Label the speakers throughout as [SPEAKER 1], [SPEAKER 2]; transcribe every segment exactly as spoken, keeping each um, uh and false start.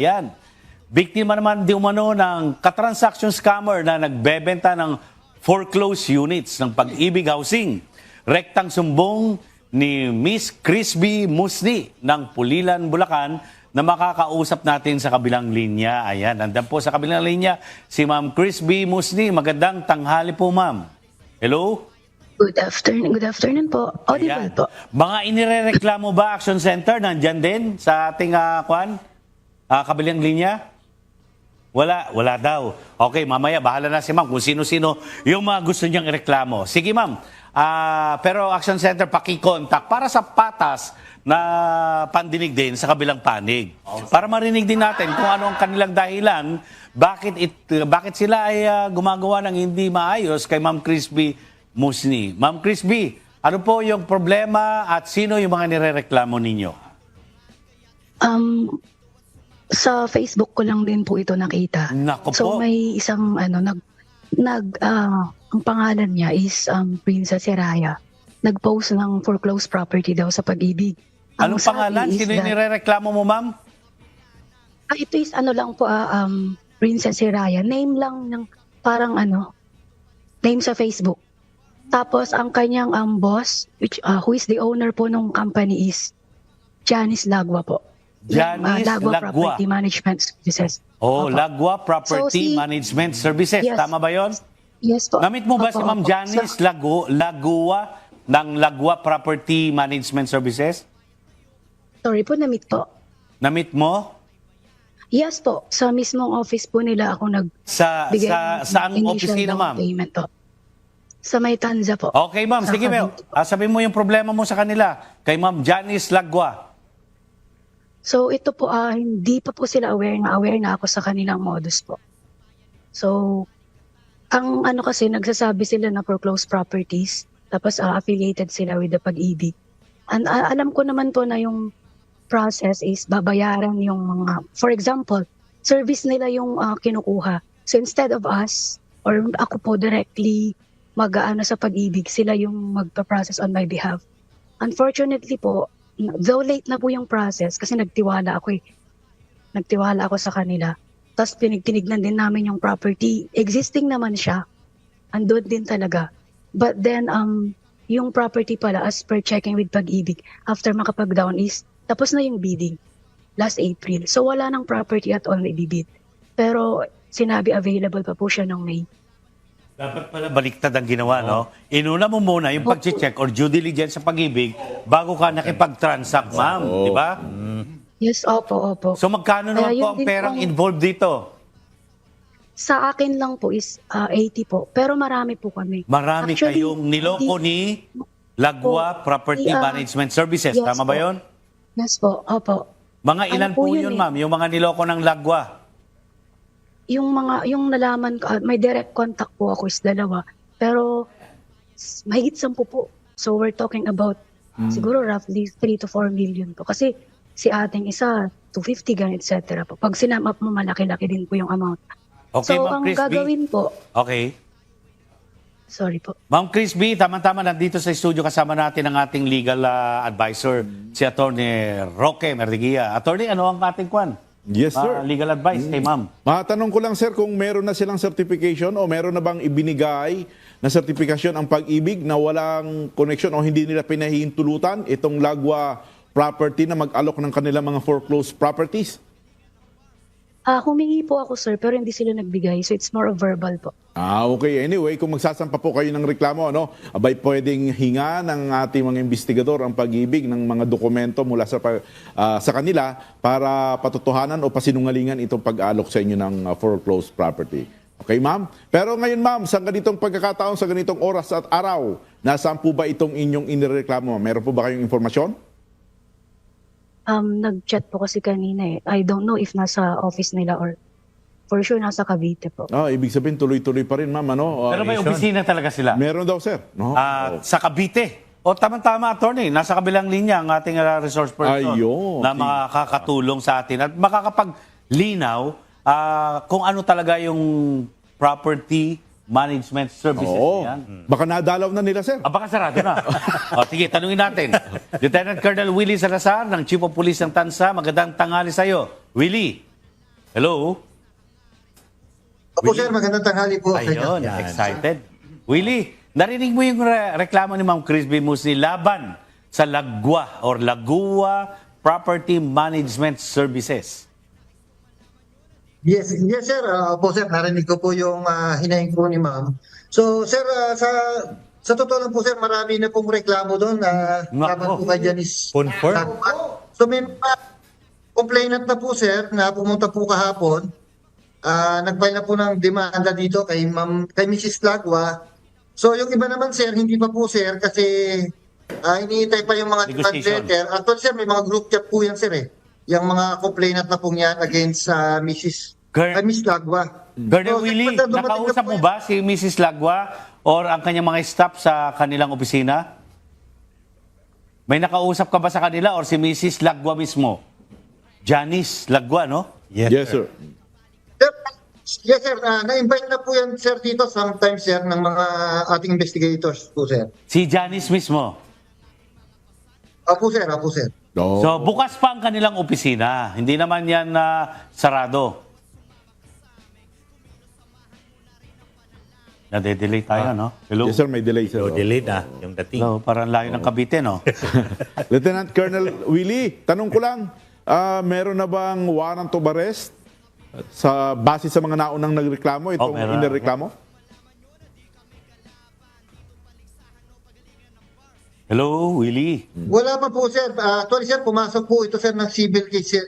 [SPEAKER 1] Yan. Biktima naman di umano ng katransaction scammer na nagbebenta ng foreclosed units ng Pag-ibig Housing. Rektang sumbong ni Miss Crispy Musni ng Pulilan, Bulacan na makakausap natin sa kabilang linya. Ayan, nandan po sa kabilang linya si Ma'am Crispy Musni. Magandang tanghali po, Ma'am. Hello?
[SPEAKER 2] Good afternoon. Good afternoon po. Audible
[SPEAKER 1] Ayan.
[SPEAKER 2] po.
[SPEAKER 1] Mga inirereklamo ba Action Center nandyan din sa ating uh, kwan? Uh, kabilang linya? Wala, wala daw. Okay, mamaya bahala na si Ma'am kung sino-sino yung mga gusto niyang ireklamo. Sige, Ma'am. Uh, pero Action Center, pakikontak para sa patas na pandinig din sa kabilang panig. Para marinig din natin kung ano ang kanilang dahilan, bakit it, bakit sila ay uh, gumagawa ng hindi maayos kay Ma'am Crispy Musni. Ma'am Crispy, ano po yung problema at sino yung mga nirereklamo ninyo?
[SPEAKER 2] Um, sa Facebook ko lang din po ito nakita.
[SPEAKER 1] Nako
[SPEAKER 2] so
[SPEAKER 1] po.
[SPEAKER 2] may isang ano nag nag ah, ang pangalan niya is um, Princess Seraya. Nag-post ng foreclosed property daw sa Pag-ibig. Ang
[SPEAKER 1] Anong
[SPEAKER 2] sabi
[SPEAKER 1] pangalan?
[SPEAKER 2] is
[SPEAKER 1] Sino yung
[SPEAKER 2] that-
[SPEAKER 1] nirereklamo mo, Ma'am?
[SPEAKER 2] Ah, ito is ano lang po ah, um, Princess Seraya. Name lang ng parang ano name sa Facebook. Tapos ang kanyang um, boss, which uh, who is the owner po ng company is Janice Lagwa po.
[SPEAKER 1] Janice
[SPEAKER 2] Uh, Lagwa
[SPEAKER 1] Lagwa.
[SPEAKER 2] Property Management Services.
[SPEAKER 1] Oh,
[SPEAKER 2] Opo.
[SPEAKER 1] Lagwa Property
[SPEAKER 2] So, si-
[SPEAKER 1] Management Services.
[SPEAKER 2] Yes.
[SPEAKER 1] Tama ba yon?
[SPEAKER 2] Yes po.
[SPEAKER 1] Namit mo ba
[SPEAKER 2] Opo,
[SPEAKER 1] si Ma'am
[SPEAKER 2] opo.
[SPEAKER 1] Janice
[SPEAKER 2] So,
[SPEAKER 1] Lagu Lagua ng Lagwa Property Management Services?
[SPEAKER 2] sorry po, namit po.
[SPEAKER 1] Namit mo?
[SPEAKER 2] Yes po, sa mismong office po nila ako
[SPEAKER 1] Sa,
[SPEAKER 2] nagbigay
[SPEAKER 1] sa
[SPEAKER 2] ng
[SPEAKER 1] saang
[SPEAKER 2] initial
[SPEAKER 1] opisina,
[SPEAKER 2] down
[SPEAKER 1] Ma'am?
[SPEAKER 2] payment po. Sa May Tanza po.
[SPEAKER 1] Okay, Ma'am.
[SPEAKER 2] Sa
[SPEAKER 1] Sige, Ma'am.
[SPEAKER 2] Cavite po.
[SPEAKER 1] Ah, sabihin mo yung problema mo sa kanila kay Ma'am Janice Lagwa.
[SPEAKER 2] So ito po, ah, hindi pa po sila aware na aware na ako sa kanilang modus po. So, ang ano kasi, nagsasabi sila na foreclosed properties, tapos ah, affiliated sila with the Pag-ibig. And ah, alam ko naman po na yung process is babayaran yung mga, for example, service nila yung ah, kinukuha. So instead of us, or ako po directly mag-aano sa Pag-ibig, sila yung magpa-process on my behalf. Unfortunately po, though late na po yung process, kasi nagtiwala ako eh. Nagtiwala ako sa kanila. Tapos pinigtinignan din namin yung property. Existing naman siya. Andun din talaga. But then, um, yung property pala, as per checking with Pag-ibig, after makapag-down is, tapos na yung bidding. Last April. So wala nang property at all na ibibid. Pero sinabi available pa po siya noong May.
[SPEAKER 1] Dapat pala baliktad ang ginawa, no? Inuna mo muna yung pag-check or due diligence sa Pag-ibig bago ka nakipag-transact, Ma'am. Di ba?
[SPEAKER 2] Yes, opo, opo.
[SPEAKER 1] So magkano naman
[SPEAKER 2] Kaya
[SPEAKER 1] po
[SPEAKER 2] yun
[SPEAKER 1] ang
[SPEAKER 2] din
[SPEAKER 1] perang
[SPEAKER 2] pong-
[SPEAKER 1] involved dito?
[SPEAKER 2] Sa akin lang po is ah, eighty po. Pero marami po kami.
[SPEAKER 1] Marami
[SPEAKER 2] Actually,
[SPEAKER 1] kayong niloko
[SPEAKER 2] hindi-
[SPEAKER 1] ni Lagwa
[SPEAKER 2] Po,
[SPEAKER 1] Property
[SPEAKER 2] ah,
[SPEAKER 1] Management Services.
[SPEAKER 2] yes
[SPEAKER 1] Tama ba
[SPEAKER 2] po.
[SPEAKER 1] yon?
[SPEAKER 2] Yes po, opo.
[SPEAKER 1] Mga
[SPEAKER 2] Ano
[SPEAKER 1] ilan
[SPEAKER 2] po
[SPEAKER 1] po
[SPEAKER 2] yun
[SPEAKER 1] yun,
[SPEAKER 2] eh?
[SPEAKER 1] Ma'am? Yung mga niloko ng Lagwa?
[SPEAKER 2] Yung mga, yung nalaman ko, ah, may direct contact po ako is dalawa. Pero, s- mahigit sampu po. So, we're talking about, siguro roughly three to four million po. Kasi, si ating isa, two fifty, ganun, et cetera po. Pag sinam up mo, malaki-laki din po yung amount.
[SPEAKER 1] Okay,
[SPEAKER 2] so,
[SPEAKER 1] Ma'am
[SPEAKER 2] ang
[SPEAKER 1] Crispy.
[SPEAKER 2] gagawin po,
[SPEAKER 1] Okay.
[SPEAKER 2] sorry po.
[SPEAKER 1] Ma'am Crispy, tama-tama nandito sa studio kasama natin ang ating legal ah, advisor, si Attorney Roque Merdigia. Attorney, ano ang ating kwan?
[SPEAKER 3] Yes, sir.
[SPEAKER 1] Ah, legal advice kay Ma'am.
[SPEAKER 3] Matanong ko lang, sir, kung meron na silang certification o meron na bang ibinigay na certification ang Pag-ibig na walang connection o hindi nila pinahihintulutan itong Lagwa property na mag-alok ng kanilang mga foreclosed properties?
[SPEAKER 2] Ah, humingi po ako, sir, pero hindi sila nagbigay. So, it's more of verbal po.
[SPEAKER 3] Ah, okay. Anyway, kung magsasampa po kayo ng reklamo, ano, abay pwedeng hinga ng ating mga investigador ang Pag-ibig ng mga dokumento mula sa pa- ah, sa kanila para patotohanan o pasinungalingan itong pag-alok sa inyo ng ah, foreclosed property. Okay, ma'am? Pero ngayon, ma'am, sa ganitong pagkakataon, sa ganitong oras at araw, nasaan po ba itong inyong inireklamo? Meron po ba kayong informasyon?
[SPEAKER 2] Um, nag-chat po kasi kanina eh. I don't know if nasa office nila or for sure nasa Cavite po.
[SPEAKER 3] Ah, ibig sabihin, tuloy-tuloy pa rin, ma'am. Ano? Ah,
[SPEAKER 1] Pero may opisina talaga sila.
[SPEAKER 3] meron daw, sir. No?
[SPEAKER 1] Ah,
[SPEAKER 3] Oh.
[SPEAKER 1] sa Cavite. O tama-tama, Attorney. Nasa kabilang linya ang ating ah, resource person
[SPEAKER 3] Ayun.
[SPEAKER 1] na makakatulong sa atin at makakapaglinaw ah, kung ano talaga yung property management services
[SPEAKER 3] Oo.
[SPEAKER 1] na yan.
[SPEAKER 3] Baka nadalaw na nila, sir.
[SPEAKER 1] Ah, baka sarado na. o, sige, tanungin natin. Lieutenant Colonel Willie Salazar ng Chief of Police ng Tansa. Magandang tanghali sa iyo. Willie. Hello?
[SPEAKER 4] Opo sir, magandang tanghali po sa inyo.
[SPEAKER 1] Ayun, excited. Willie, narinig mo yung re- reklamo ni Ma'am Crispy Musli laban sa Lagwa or Lagua Property Management Services.
[SPEAKER 4] Yes, yes sir. Uh, opo sir, narinig ko po yung uh, hinaing po ni ma'am. So sir, ah, sa sa totoo lang po sir, marami na pong reklamo doon na
[SPEAKER 1] Nako.
[SPEAKER 4] laban po kay Janice.
[SPEAKER 5] Confirm.
[SPEAKER 4] So may mga complainant na po sir na pumunta po kahapon. Ah, nag-file na po ng demanda dito kay Ma'am kay Missus Lagwa. So yung iba naman sir, hindi pa po sir kasi ah, iniintay pa yung mga demand
[SPEAKER 1] Negotiation.
[SPEAKER 4] letter. Actually sir, may mga group chat po yan sir eh. Yung mga complainant na po yan against sa Missus
[SPEAKER 1] Ger-
[SPEAKER 4] kay Miss Lagwa.
[SPEAKER 1] Colonel
[SPEAKER 4] So,
[SPEAKER 1] Willie,
[SPEAKER 4] basta dumating na
[SPEAKER 1] nakausap
[SPEAKER 4] po
[SPEAKER 1] mo
[SPEAKER 4] yan.
[SPEAKER 1] ba si Missus Lagwa or ang kanyang mga staff sa kanilang opisina? May nakausap ka ba sa kanila or si Missus Lagwa mismo? Janice Lagwa, no?
[SPEAKER 3] Yes, sir.
[SPEAKER 4] Sir, yes sir, Ah, na-invite na po yan sir dito sometimes sir ng mga ating investigators po sir.
[SPEAKER 1] Si Janice mismo.
[SPEAKER 4] Opo sir, opo sir.
[SPEAKER 3] No.
[SPEAKER 1] So, bukas pa ang kanilang opisina. Hindi naman yan na sarado. Nade-delay tayo, no? Hello?
[SPEAKER 3] Yes, sir, may delay, sir.
[SPEAKER 5] So, delayed na yung dating.
[SPEAKER 1] Hello, parang layo ng Cavite, no?
[SPEAKER 3] Lieutenant Colonel Willie, tanong ko lang, ah, meron na bang warrant of arrest sa base sa mga naunang nagreklamo, itong
[SPEAKER 1] meron.
[SPEAKER 3] inireklamo?
[SPEAKER 1] Hello, Willie.
[SPEAKER 4] Wala pa po sir. Ah, actually sir, pumasok po ito sir ng civil case sir.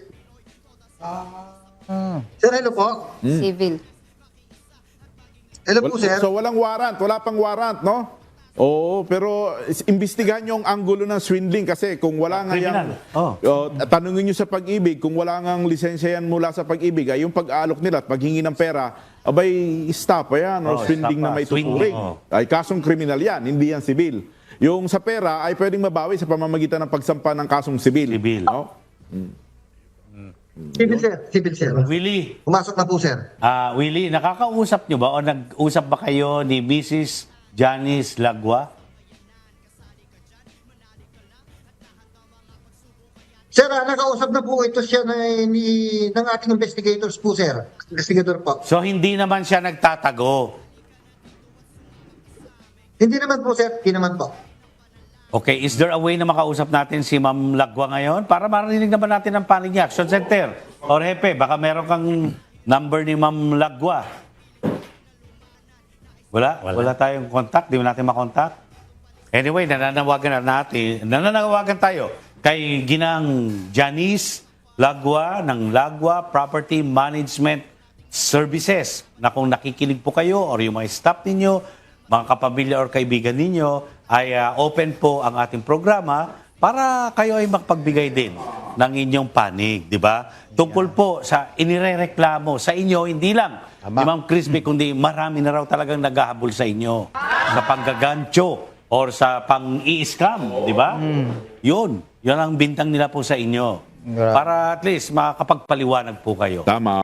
[SPEAKER 4] Sir, hello po.
[SPEAKER 6] Civil.
[SPEAKER 4] Hello po sir.
[SPEAKER 3] So walang warrant, wala pang warrant, no? Oo, pero is- imbestigahan nyo ang anggulo ng swindling kasi kung wala nga
[SPEAKER 1] Criminal.
[SPEAKER 3] yan,
[SPEAKER 1] Oh.
[SPEAKER 3] oh, tanungin nyo sa pag-ibig, kung wala nga lisensya yan mula sa pag-ibig, ay yung pag-alok nila at paghingi ng pera, abay, stop pa yan, or
[SPEAKER 1] Oh,
[SPEAKER 3] swindling
[SPEAKER 1] stop
[SPEAKER 3] na
[SPEAKER 1] pa.
[SPEAKER 3] may
[SPEAKER 1] Swindling,
[SPEAKER 3] tuturing.
[SPEAKER 1] oh.
[SPEAKER 3] Ay kasong kriminal yan, hindi yan sibil. Yung sa pera ay pwedeng mabawi sa pamamagitan ng pagsampa ng kasong sibil.
[SPEAKER 1] Sibil.
[SPEAKER 3] No?
[SPEAKER 4] Civil sir. Civil sir.
[SPEAKER 1] Willie,
[SPEAKER 4] Pumasok na po sir.
[SPEAKER 1] ah Willie, nakakausap nyo ba o nag-usap ba kayo ni Missus Janice Lagwa?
[SPEAKER 4] Sir, ah, nakausap na po ito siya na, ni, ng ating investigators po sir. Investigator po.
[SPEAKER 1] So, hindi naman siya nagtatago.
[SPEAKER 4] Hindi naman po sir. Hindi naman po.
[SPEAKER 1] Okay, is there a way na makausap natin si Ma'am Lagwa ngayon para marinig naman natin ang panig niya? Action Center or Hepe, baka meron kang number ni Ma'am Lagwa. Wala? Wala,
[SPEAKER 5] Wala.
[SPEAKER 1] tayong contact? Di mo natin makontak? Anyway, nananawagan na natin, nananawagan tayo kay Ginang Janice Lagwa ng Lagwa Property Management Services na kung nakikinig po kayo or yung mga staff ninyo, mga kapamilya or kaibigan ninyo, ay ah, open po ang ating programa para kayo ay makapagbigay din ng inyong panig, di ba? Tungkol po sa inirereklamo sa inyo, hindi lang ni Ma'am Crispy, kundi marami na raw talagang naghahabol sa inyo sa panggagancho or sa pang-i-scam, di ba? Yun, yun ang bintang nila po sa inyo. Para at least makakapagpaliwanag po kayo.
[SPEAKER 3] Tama.